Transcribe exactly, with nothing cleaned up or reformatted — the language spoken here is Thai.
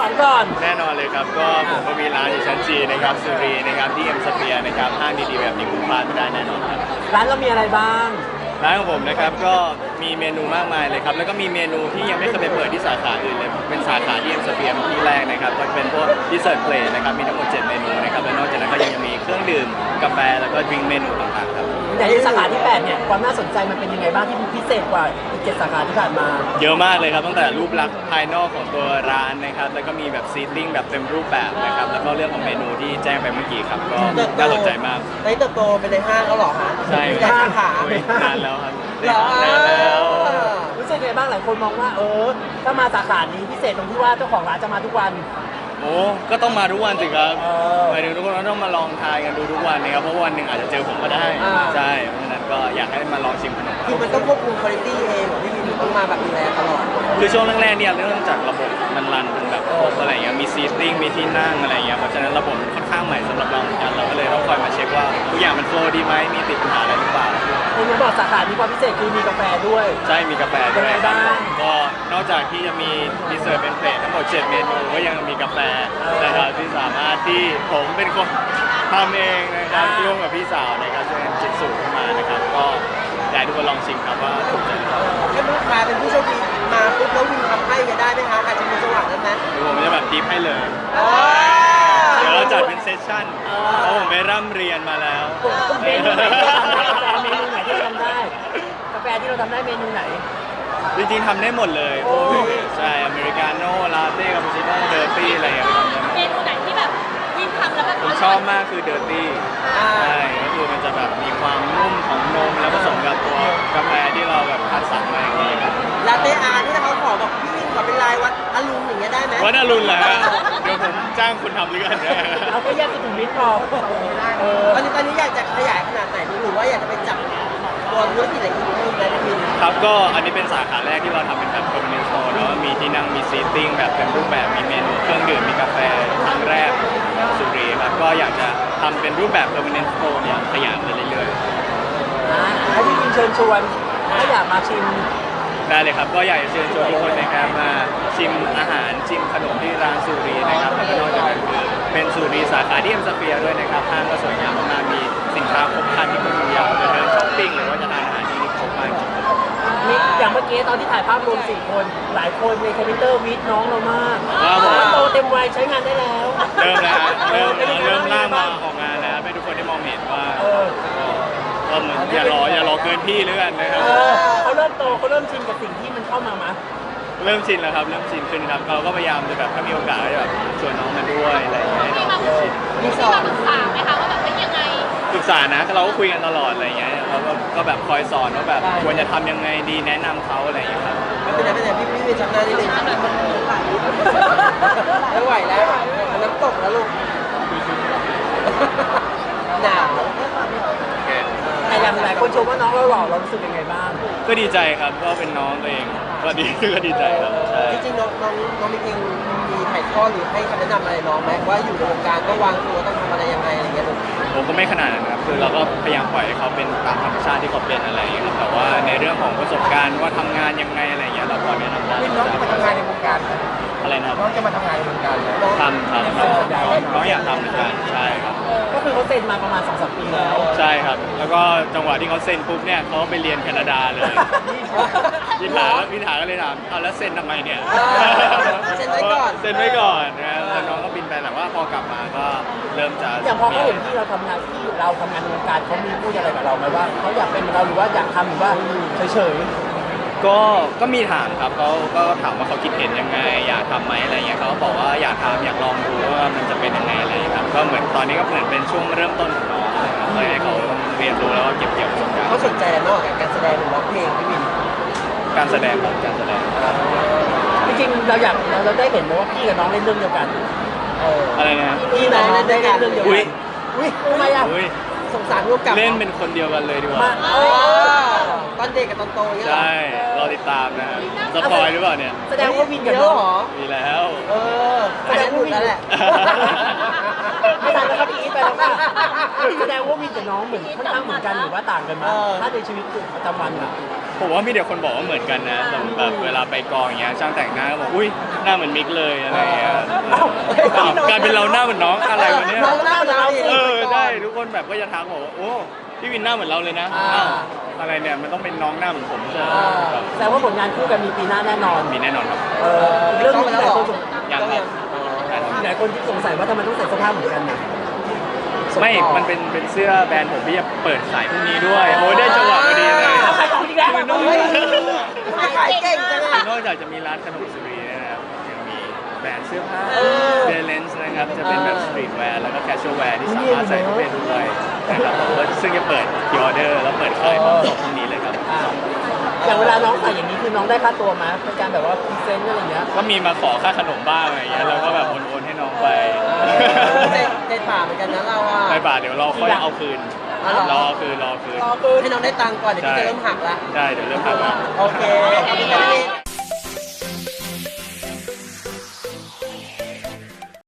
ามก่อนแน่นอนเลยครับก็ผมก็มีร้านอยู่ชั้นจีนะครับสุรีนะครับที่เอ็มสเปียร์นะครับห้างดีๆแบบนี้คุณพลาดไม่ได้แน่นอนครับร้านเรามีอะไรบ้างร้านของผมนะครับก็มีเมนูมากมายเลยครับแล้วก็มีเมนูที่ยังไม่เคยไปเปิดที่สาขาอื่นเลยเป็นสาขาที่เอ็มสเปียร์ที่แรกนะครับก็เป็นพวกดิเซอร์ทเพลทนะครับมีทั้งหมดเจ็ดเมนูนะครับและนอกจากนั้นก็ยังมีเครื่องดื่มกาแฟแล้วก็ดริงก์เมนูต่างๆครับแต่ที่สาขาที่แปดเนี่ยความน่าสนใจมันเป็นยังไงบ้างที่พิเศษกว่าอีกเจ็ดสาขาที่ผ่านมาเยอะมากเลยครับตั้งแต่รูปลักษณ์ภายนอกของตัวร้านนะครับแล้วก็มีแบบซีติ้งแบบเต็มรูปแบบนะครับแล้วก็เรื่องของเมนูที่แจ้งไปเมื่อกี้ครับก็น่าสนใจมากได้เติบโตเป็นในห้างแล้วหรอฮะใช่ในสาขานานแล้วครับนานแล้วรู้สึกไงบ้างหลายคนมองว่าเออถ้ามาสาขานี้พิเศษตรงที่ว่าเจ้าของร้านจะมาทุกวันโอ้ก็ต้องมาทุกวันสิครับหมายถึงทุกคนต้องมาลองทายกันดูทุกวันนะครับเพราะวันหนึ่งอาจจะเจอผมก็ได้ใช่เพราะฉะนั้นก็อยากให้มาลองชิมขนมคือมันต้องควบคุมคุณภาพเองที่มีต้องมาแบบดูแลตลอดคือช่วงแรกๆเนี่ยเรื่องจากระบบมันรันเป็นแบบครบอะไรเงี้ยมีซีติ้งมีที่นั่งอะไรเงี้ยเพราะฉะนั้นระบบค่อนข้างใหม่สำหรับเราเหมือนกันเราก็เลยต้องคอยมาเช็คว่าทุกอย่างมันโฟล์ดีไหมมีติดปัญหาอะไรหรือเปล่าคุณบอกสาขานี้ความพิเศษคือมีกาแฟด้วยใช่มีกาแฟด้วยก็นอกจากที่จะมีดีเซอร์เป็นเพลททั้งหมดเจ็ดเมนูก็ยังมีกาแฟนะครับที่สามารถที่ผมเป็นคนทำเองนะครับร่วมกับพี่สาวนะครับช่วยคิดสูตรขึ้นมานะครับก็อยากให้ทุกคนลองชิมครับว่าถูกใจหรือเปล่าถ้าลูกค้าเป็นผู้โชคดีมาปุ๊บแล้ววินทำให้จะได้ไหมคะอาจจะมีจังหวะนั้นนะหรือผมจะแบบดิฟให้เลยเดี๋ยวเราจัดเป็นเซสชั่นเพราะผมไปร่ำเรียนมาแล้วเมนูไหนที่เราทำได้กาแฟเมนูไหนที่เราทำได้กาแฟที่เราทำได้เมนูไหนจริงๆทำได้หมดเลยใช่อเมริกาโน่ลาเต้คาปูชิโน่เดอร์ตี้อะไรอย่างเงี้ยเมนูไหนที่แบบวินทำแล้วแบบผมชอบมากคือเดอร์ตี้ใช่ก็คือมันจะแบบมีความนุ่มของนมแล้วผสมกับตัวกาแฟที่เราแบบคัดสรรมาอย่างนี้ครับลาเต้อาร์ที่เขาขอบอกพี่วินขอเป็นลายวัดอรุณอย่างเงี้ยได้ไหมวัดอรุณเหรอฮะเดี๋ยวผมจ้างคุณทำเรื่องเอาแค่แยกสุขุมวิทพอตอนนี้ตอนนี้อยากจะขยายขนาดไหนหรือว่าอยากจะไปจับตัวธุรกิจอะไรอีกเพิ่มได้ไหมพี่ครับก็อันนี้เป็นสาขาแรกที่เราทำเป็นแบบ permanent store เนาะมีที่นั่งมีซีติ้งแบบเป็นรูปแบบมีเมนูเครื่องดื่มมีกาแฟครั้งแรกสุรีครับก็อยากจะทำเป็นรูปแบบ permanent store เนี่ยขยายไปเรื่อยๆให้พี่วินเชิญชวนถ้าอยากมาชิมได้เลยครับก็อยากจะเชิญชวนทุกคนนะครับมาชิมอาหารชิมขนมที่ร้านสุรีนะครับแล้วก็นอกจากนั้นคือเป็นสุรีสาขาที่เอ็มสเปียร์ด้วยนะครับห้างก็สวยงามมากมีสินค้าครบครันที่คุณอยากจะเดินช้อปปิ้งหรือว่าจะทานอาหารที่นี่ครบมากจริงมีอย่างเมื่อกี้ตอนที่ถ่ายภาพรวมสี่คนหลายคนในคอมพิวเตอร์วิทน้องเรามากโตเต็มวัยใช้งานได้แล้วเริ่มแล้วเริ่มเริ่มล่างมาออกงานแล้วให้ทุกคนได้มองเห็นว่าก็เหมือนอย่ารออย่ารอเกินพี่เลยกันนะครับเขาเริ่มโตเขาเริ่มชินกับสิ่งที่มันเข้ามามั้ยเริ่มชินแล้วครับเริ่มชินขึ้นครับเราก็พยายามจะแบบถ้ามีโอกาสจะแบบชวนน้องมาด้วยอะไรอย่างเงี้ยให้น้องชินมีสอนปรึกษาไหมคะว่าแบบเป็นยังไงปรึกษานะเราก็คุยกันตลอดอะไรอย่างเงี้ยเราก็แบบคอยสอนว่าแบบควรจะทำยังไงดีแนะนำเขาอะไรอย่างเงี้ยครับไม่เป็นไรไม่เป็นไรพี่พี่เป็นชำนาญนิดนึงไม่ไหวแล้วน้ำตกแล้วลูกหนาวแต่อย่างหลายคนชมว่าน้องเราหล่อเรารู้สึกยังไงบ้างก็ดีใจครับก็เป็นน้องตัวเองก็ดีก็ดีใจครับใช่จริงๆน้องน้องน้องมีเองมีถ่ายทอดหรือให้คำแนะนำอะไรน้องไหมว่าอยู่ในวงการก็วางตัวต้องทำอะไรยังไงอะไรเงี้ยผมก็ไม่ขนาดนั้นครับคือเราก็พยายามปล่อยให้เขาเป็นตามธรรมชาติที่เขาเป็นอะไรอย่างเงี้ยครับแต่ว่าในเรื่องของประสบการณ์ว่าทำงานยังไงอะไรเงี้ยเราพอแนะนำได้น้องจะมาทำงานในวงการอะไรนะน้องจะมาทำงานในวงการทำครับน้องอยากทำเหมือนกันใช่ครับก็คือเขาเซ็นมาประมาณ สองสาม ปีแล้วใช่ครับแล้วก็จังหวะที่เขาเซ็นปุ๊บเนี่ยเขาไปเรียนแคนาดาเลยพี่ถาพี่ถาก็เลยถามเอาแล้วเซ็นทำไมเนี่ยเซ็นไว้ก่อนเซ็นไว้ก่อนนะแล้วน้องก็บินไปแต่ว่าพอกลับมาก็เริ่มจะอย่างพอเขาเห็นที่เราทำงานที่เราทำงานในวงการเขามีพูดอะไรกับเราไหมว่าเขาอยากเป็นเราหรือว่าอยากทำหรือว่าเฉยๆก็ก็มีถามครับเขาก็ถามว่าเขาคิดเห็นยังไงอยากทำไหมอะไรเงี้ยเขาบอกว่าอยากทำอยากลองดูว่ามันจะเป็นยังไงอะไรครับก็เหมือนตอนนี้ก็เหมือนเป็นช่วงเริ่มต้นของน้องนะครับเลยให้เขาเรียนรู้แล้วก็เก็บเกี่ยวประสบการณ์เขาสนใจนอกจากการแสดงหรือร้องเพลงพี่วินการแสดงครับการแสดงจริงๆเราอยากเราได้เห็นไหมว่าพี่กับน้องเล่นเรื่องเดียวกันอะไรนะพี่น้องเล่นได้เรื่องเดียวกันอุ้ยทำไมอ่ะสงสารร่วมกับเล่นเป็นคนเดียวกันเลยดีกว่าตตอนเด็กกับตอนโตเนี่ยเหรอใช่รอติดตามนะฮะสปอยหรือเปล่าเนี่ยแสดงว่าวินกับเยน้อะองเหรอมีแล้วเออแสดงหลุดแล้วแหละไม่ทันแล้วครับอีกไปแล้วค่ะแสดงว่าวินกับน้องเหมือนค่อนข้างเหมือนกันหรือว่าต่างกันไหมเออถ้าในชีวิตประจำวันอะผมว่ามีเดี๋ยวคนบอกว่าเหมือนกันนะแบบแบบเวลาไปกองอย่างเงี้ยช่างแต่งหน้าก็บอกอุ้ยหน้าเหมือนมิกเลยอะไรเงี้ยอ้าวอ้าวกลายเป็นเราหน้าเหมือนน้องอะไรวะเนี่ยน้องหน้าเหมือนเราดิเออได้ทุกคนแบบก็จะทักบอกว่าโอ้พี่วินหน้าเหมือนเราเลยนะอ่าอ้าวอะไรเนี่ยมันต้องเป็นน้องหน้าเหมือนผมใช่ไหมอ่าครับแสดงว่าผลงานคู่กันมีปีหน้าแน่นอนมีแน่นอนครับเอออีกเรื่องหนึงที่หลายคนสงยังครับหลายคนที่สงสัยว่าทำไมต้องใส่เสื้อผ้าเหมือนกันน่ะไม่ มันเป็นเป็นเสื้อแบรนด์ผมที่จะเปิดขายพรุ่งนี้ด้วยโอ้ยได้จังหวะพอดีเลยขายของอีกแล้วคือนอกเฮ้ยไม่ขายเก่งจังคือะอนอกจากจะมีร้านขนมสุรีนะครับยังมีแบรนด์เสื้อผ้าเออเบลเลนส์นะครับจะเป็นแบบเออสตรีทแวร์แล้วก็แคชชวลแวร์ที่สามารถใส่เข้าไปด้วยนะครับผมก็ซึ่งจะเปิดพรีออเดอร์แล้วเปิดขายพร้อมส่งพรุ่งนี้เลยครับอ่าอย่างเวลาน้องใส่อย่างนี้คือน้องได้ค่าตัวไหมเป็นการแบบว่าพรีเซนต์อะไรอย่างเงี้ยก็มีมาขอค่าขนมบ้างอะไรอย่างเงี้ยแล้วก็แบบโอนๆให้น้องไปเจ๊เจ๊ป่าเหมือนกันนะเราอ่ะไม่บาทเดี๋ยวเราค่อยเอาคืนอ๋อเหรอรอคืนรอคืนรอคืนให้น้องได้ตังค์ก่อนเดี๋ยวพี่จะเริ่มหักละได้เดี๋ยวเริ่มหักแล้วโอเคขอบคุณครับพี่